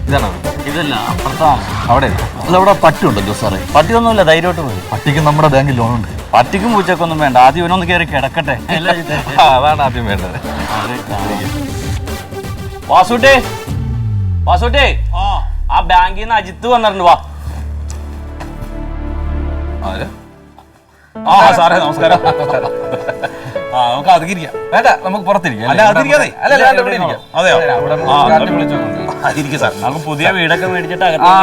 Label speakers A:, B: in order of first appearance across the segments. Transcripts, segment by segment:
A: ഇതാണോ?
B: ഇതല്ല, അപ്പുറത്താണ്.
A: അവിടെ അല്ല, അവിടെ പട്ടിയുണ്ടല്ലോ സാറേ.
B: പട്ടിയൊന്നുമില്ല, ധൈര്യമായിട്ട് പോയി.
A: പട്ടിക്ക് നമ്മുടെ ബാങ്കിൽ ലോണുണ്ട്.
B: പട്ടിക്കും പൂച്ചക്കൊന്നും വേണ്ട, ആദ്യം ഇവനൊന്ന് കയറി കിടക്കട്ടെ.
A: അതാണ് ആദ്യം വേണ്ടത്.
B: വാസുട്ടേ, വാസുട്ടേ, ആ ബാങ്കിൽ നിന്ന് അജിത്ത് വന്നിട്ടുണ്ട്. വാ.
A: സാറേ നമസ്കാരം. നമുക്ക് അതിരിക്കാം. വേണ്ട, നമുക്ക് പുറത്തിരിക്കാം. അല്ല അതിരിക്കാതെ. അതെയോ? സാർ
B: നമുക്ക് പുതിയ വീടൊക്കെ മേടിച്ചിട്ട്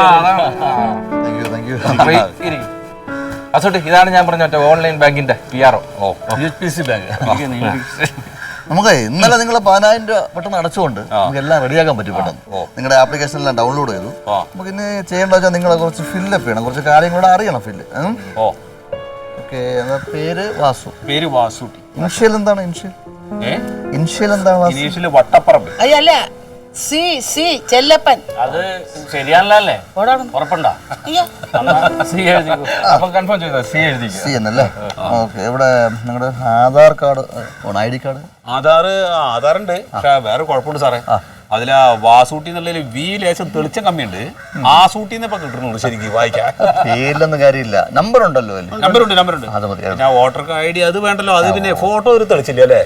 A: അസോട്ടെ, ഇതാണ് ഞാൻ പറഞ്ഞ ഓൺലൈൻ ബാങ്കിന്റെ PRO.
C: നമുക്ക് ഇന്നലെ നിങ്ങൾ 10,000 രൂപ പെട്ടെന്ന് അടച്ചുകൊണ്ട് നമുക്ക് എല്ലാം റെഡിയാക്കാൻ പറ്റും പെട്ടെന്ന്. നിങ്ങളുടെ ആപ്ലിക്കേഷൻ എല്ലാം ഡൗൺലോഡ് ചെയ്തു. നമുക്ക് ഇനി ചെയ്യേണ്ട വെച്ചാൽ നിങ്ങളെ കുറച്ച് ഫില്ലപ്പ് ചെയ്യണം, കുറച്ച് കാര്യങ്ങളൂടെ അറിയണം. Fill okay. പേര് വാസു.
A: പേര് വാസുട്ടി.
C: ഇനിഷ്യൽ എന്താണ്? ഇനിഷ്യൽ എന്താണ്?
A: ഇനീഷ്യല് വട്ടപ്പറമ്പ്.
D: അയ്യല്ല, ചെല്ലപ്പൻ.
B: അത് ശരിയാണല്ലേ? ഉറപ്പുണ്ടോ?
A: അപ്പൊ കൺഫേം ചെയ്തോ?
C: സി എന്നല്ലേ? ഓക്കെ. ഇവിടെ നിങ്ങളുടെ ആധാർ കാർഡ്, ID കാർഡ്?
E: ആധാറുണ്ട്, പക്ഷെ വേറെ കുഴപ്പമുണ്ട് സാറേ. അതിലാ വാസൂട്ടി എന്നുള്ളതിൽ വി ലേശം തെളിച്ചം കമ്മിയുണ്ട്. ആ സൂട്ടിന്ന് ഇപ്പൊ കിട്ടുന്നുള്ളൂ ശരിക്കും വായിക്കാൻ.
C: പേരിലൊന്നും കാര്യമില്ല, നമ്പർ ഉണ്ടല്ലോ.
E: നമ്പറുണ്ട്.
C: അത് മതി.
E: ഞാൻ വോട്ടർ ID അത് വേണ്ടല്ലോ. അത് പിന്നെ ഫോട്ടോ ഒരു തെളിച്ചില്ല അല്ലേ?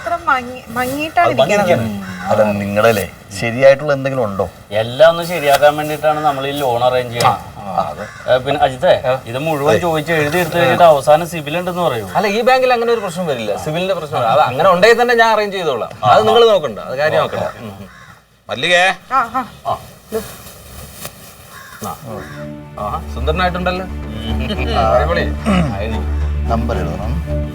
C: അതെ, നിങ്ങളല്ലേ ശരിയായിട്ടുള്ള എന്തെങ്കിലും ഉണ്ടോ?
B: എല്ലാം ഒന്ന് ശരിയാക്കാൻ വേണ്ടിട്ടാണ് നമ്മൾ ഈ ലോൺ അറേഞ്ച് ചെയ്യണം. പിന്നെ അജിത്തെ, ഇത് മുഴുവൻ ചോദിച്ച് എഴുതി എടുത്തു കഴിഞ്ഞിട്ട് അവസാനം സിബിൽ ഉണ്ടെന്ന് പറയൂ.
A: അല്ല, ഈ ബാങ്കിൽ അങ്ങനെ ഒരു പ്രശ്നം വരില്ല. സിവിലിന്റെ പ്രശ്നം അത് അങ്ങനെ ഉണ്ടെങ്കിൽ തന്നെ ഞാൻ അറേഞ്ച് ചെയ്തോളാം. അത് നിങ്ങൾ നോക്കണ്ട, അത് കാര്യം നോക്കണ്ട.
E: മല്ലികേ,
A: സുന്ദരനായിട്ടുണ്ടല്ലോ.
C: നമ്പർ എഴുതണം.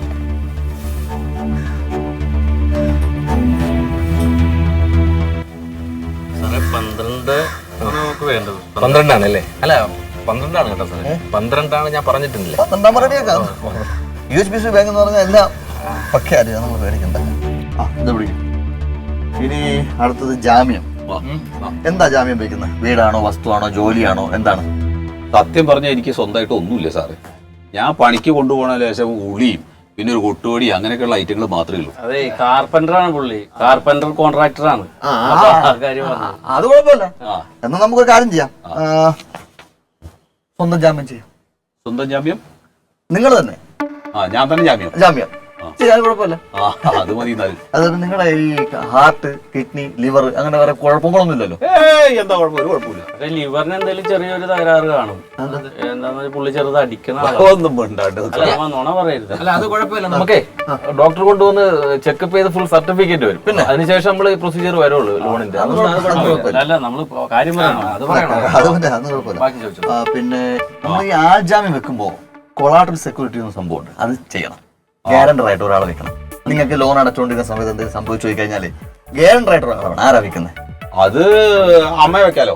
B: സാറേ 12 നമുക്ക് വേണ്ടത്.
A: 12 ആണല്ലേ? അല്ല 12 ആണ് കേട്ടോ സാറേ. 12 ആണ് ഞാൻ പറഞ്ഞിട്ടില്ല.
C: 12 റെഡിയാക്കാം. UHBC ബാങ്ക് എന്ന് പറഞ്ഞാൽ എല്ലാം പക്കെ അറിയാം, നമ്മൾ പേടിക്കണ്ട. ഇത് പിടിക്കും. ഇനി അടുത്തത് ജാമ്യം. എന്താ ജാമ്യം വയ്ക്കുന്നത്? വീടാണോ, വസ്തുവാണോ, ജോലിയാണോ, എന്താണ്?
E: സത്യം പറഞ്ഞാൽ എനിക്ക് സ്വന്തമായിട്ട് ഒന്നുമില്ല സാറേ. ഞാൻ പണിക്ക് കൊണ്ടുപോകണ ലേശം ഉളിയും പിന്നെ ഒരു കൊട്ടുപടി അങ്ങനെയൊക്കെയുള്ള ഐറ്റങ്ങൾ മാത്രമേ ഉള്ളൂ.
B: അതെ, കാർപ്പന്ററാണ് പുള്ളി. കാർപ്പന്റർ കോൺട്രാക്ടറാണ്.
C: അത് കുഴപ്പമില്ല. എന്നാ നമുക്കൊരു കാര്യം ചെയ്യാം, സ്വന്തം ജാമ്യം ചെയ്യാം.
E: സ്വന്തം ജാമ്യം
C: നിങ്ങൾ തന്നെ?
E: ഞാൻ തന്നെ ജാമ്യം
C: ചെയ്യാൻ കുഴപ്പമില്ല.
E: അത് മതി.
C: അതായത് നിങ്ങളുടെ ഈ ഹാർട്ട്, കിഡ്നി, ലിവർ അങ്ങനെ വേറെ കുഴപ്പങ്ങളൊന്നും ഇല്ലല്ലോ?
E: എന്താ കുഴപ്പം? ഒരു കുഴപ്പമില്ല.
B: ലിവറിന് എന്തെങ്കിലും ചെറിയൊരു തകരാറ് കാണും. എന്താന്ന് പുള്ളി ചെറുത് അടിക്കണം.
E: ഒന്നും
B: നുണ പറയരുത്.
A: അല്ല, അത് കുഴപ്പമില്ല. നമുക്കേ ഡോക്ടർ കൊണ്ടുവന്ന് ചെക്കപ്പ് ചെയ്ത് ഫുൾ സർട്ടിഫിക്കറ്റ് വരും. പിന്നെ അതിനുശേഷം നമ്മൾ പ്രൊസീജിയർ വരുള്ളൂ ലോണിന്റെ.
B: അല്ല, നമ്മള് കാര്യം പറയണം.
C: അത് കുഴപ്പമില്ല. പിന്നെ നമ്മൾ ഈ ആൾജാമ്യം വെക്കുമ്പോ കൊളാട്രൽ സെക്യൂരിറ്റി എന്ന സംഭവമുണ്ട്, അത് ചെയ്യണം. ഗ്യാരണ്ടർ ആയിട്ട് ഒരാളെ വെക്കണം. നിങ്ങൾക്ക് ലോൺ അടച്ചുകൊണ്ടിരിക്കുന്ന സമയത്ത് എന്തെങ്കിലും സംഭവിച്ചു പോയി കഴിഞ്ഞാല് ഗ്യാരണ്ടർ ആയിട്ട് ഒരാളാണ്. ആരാ വെക്കുന്നത്?
E: അത് അമ്മ വെക്കാലോ?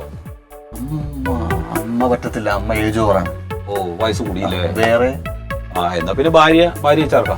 C: അമ്മ പറ്റത്തില്ല, അമ്മ ഏജ് ഓവറാണ്.
E: വയസ്സ് കൂടിയില്ലേ?
C: വേറെ
E: എന്നാ പിന്നെ ഭാര്യ ചേർക്കാം.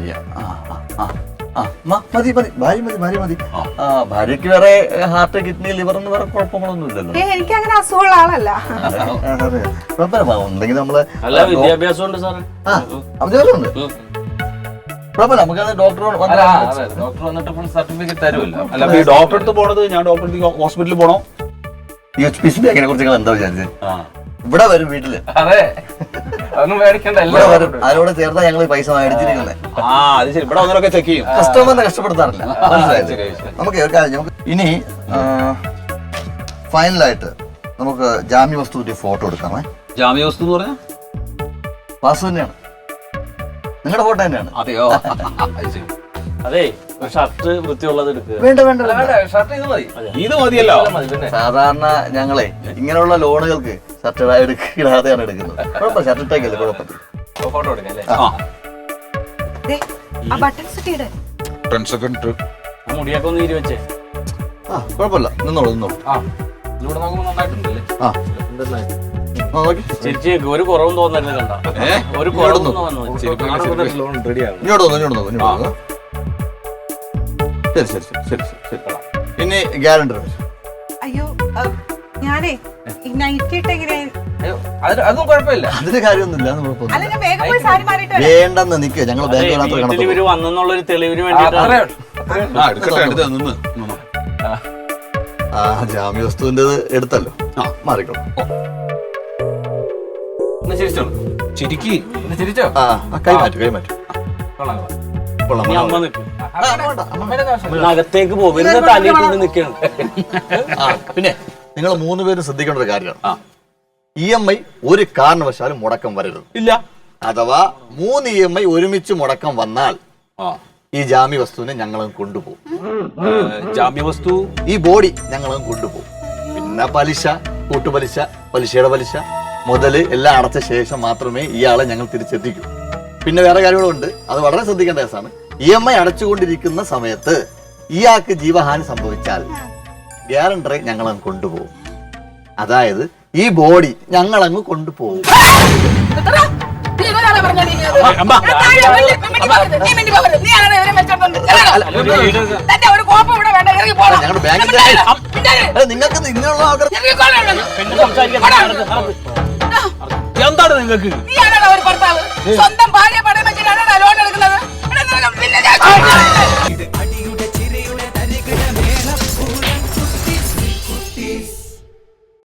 C: ഭാര്യ ഭാര്യക്ക് വേറെ ഹാർട്ട്, കിഡ്നി, ലിവർ എന്ന് വേറെ കുഴപ്പങ്ങളൊന്നും ഇല്ലല്ലോ.
D: എനിക്ക് അങ്ങനെ അസുഖമുള്ള ആളല്ല.
C: ഉണ്ടെങ്കിൽ നമ്മള്
B: വിദ്യാഭ്യാസം ഉണ്ട് സാറേ.
C: ഉണ്ട്. കുഴപ്പമില്ല, നമുക്കത് ഡോക്ടർ
A: വന്നിട്ട് ഫുൾ സർട്ടിഫിക്കറ്റ് തരുമല്ലോ.
E: അല്ല, ഈ ഡോക്ടർ അടുത്ത് പോണത് ഞാൻ ഡോക്ടർ ഹോസ്പിറ്റലിൽ പോണോ?
C: UHBC ബാങ്കിനെ കുറിച്ച് എന്താ വിചാരിച്ചത്? ഇവിടെ വരും വീട്ടില്.
A: അതെ, അതൊന്നും മേടിക്കണ്ട.
C: അതിനോട് ചേർത്താ ഞങ്ങൾ പൈസ മേടിച്ചിരിക്കുന്നത്.
E: അത് ശരി. ഇവിടെ വന്നവരൊക്കെ ചെക്ക് ചെയ്യും.
C: കസ്റ്റമറിനെ കഷ്ടപ്പെടുത്താറില്ല. നമുക്ക് ഒരു കാര്യം, നമുക്ക് ഇനി ഫൈനലായിട്ട് നമുക്ക് ജാമ്യ വസ്തുവിന്റെ ഫോട്ടോ എടുക്കാമേ.
E: ജാമ്യ വസ്തു എന്ന് പറഞ്ഞാൽ
C: വാസു തന്നെയാണ്, നിങ്ങളുടെ ഫോട്ടോ തന്നെയാണ്.
E: അതെയോ?
B: അതെ, ഷർട്ട് വൃത്തിയുള്ളത് എടുക്കുക.
C: വേണ്ട,
A: ഷർട്ട് ഇത് മതി.
E: ഇത് മതിയല്ലോ.
C: സാധാരണ ഞങ്ങളെ ഇങ്ങനെയുള്ള ലോണുകൾക്ക് ഷർട്ട് ഇടാതെയാണ് എടുക്കുന്നത്. കുഴപ്പമില്ല, ഷർട്ട് ഇട്ടേക്കല്ലേ, കുഴപ്പമില്ല.
A: ഫോട്ടോ എടുക്കാം അല്ലേ?
B: മുടിയൊക്കെ ഒന്ന് ഇരുവച്ചേ.
C: കുഴപ്പമില്ല, നിന്നോളൂ.
A: ഇതിലൂടെ നോക്കുമ്പോൾ നന്നായിട്ടുണ്ടല്ലേ?
B: ചേച്ചി ഒരു കുറവും തോന്നരുത്. കണ്ട ഒരു കുറവും തോന്നുന്നു.
C: ഇനി ഗ്യാരണ്ടർ.
D: അയ്യോ, ഞാനേ
A: അതും കുഴപ്പമില്ല.
C: അതിന്റെ കാര്യമൊന്നുമില്ല. വേണ്ടെന്ന് നിൽക്കുക, ഞങ്ങൾ
B: ബാങ്ക് വന്നെന്നുള്ളൊരു തെളിവിന് വേണ്ടിയിട്ടാണ്.
C: ആ ജാമ്യ വസ്തുവിന്റെ എടുത്തല്ലോ മാറിക്കോളൂ.
A: ഒന്ന് ചിരിച്ചോളൂ.
E: ശരിക്ക്
A: ഒന്ന് ചിരിച്ചോ?
C: കൈമാറ്റു
A: കൊള്ളാം.
C: കൊള്ളാം.
B: ഇനി അമ്മ നിൽക്കും
A: അമ്മേടെ കാശ്.
B: അകത്തേക്ക് പോകും തലയിട്ട് നിൽക്കണം.
C: പിന്നെ നിങ്ങൾ 3 പേരും ശ്രദ്ധിക്കേണ്ട ഒരു കാര്യമാണ്, EMI ഒരു കാരണവശാലും മുടക്കം വരരുത്.
E: ഇല്ല.
C: അഥവാ 3 EMI ഒരുമിച്ച് മുടക്കം വന്നാൽ ഈ ജാമ്യ വസ്തുവിനെ ഞങ്ങളും കൊണ്ടുപോകും.
E: ജാമ്യ വസ്തു
C: ഈ ബോഡി ഞങ്ങളും കൊണ്ടുപോകും. പിന്നെ പലിശ, കൂട്ടുപലിശ, പലിശയുടെ പലിശ, മുതല് എല്ലാം അടച്ച ശേഷം മാത്രമേ ഇയാളെ ഞങ്ങൾ തിരിച്ചെത്തിക്കൂ. പിന്നെ വേറെ കാര്യങ്ങളുണ്ട്, അത് വളരെ ശ്രദ്ധിക്കേണ്ട കേസാണ്. EMI അടച്ചുകൊണ്ടിരിക്കുന്ന സമയത്ത് ഇയാൾക്ക് ജീവഹാനി സംഭവിച്ചാൽ ഗ്യാരണ്ടറെ ഞങ്ങളങ്ങ് കൊണ്ടുപോകും. അതായത് ഈ ബോഡി ഞങ്ങളങ്ങ് കൊണ്ടുപോകും. ഞങ്ങളുടെ ബാങ്കിന്റെ നിങ്ങൾക്ക് നിങ്ങളുള്ള ആഗ്രഹം
E: എന്താണ് നിങ്ങൾക്ക്?
D: സ്വന്തം ഭാര്യ പടം വെച്ചിട്ടാണ് ലോൺ എടുക്കുന്നത്.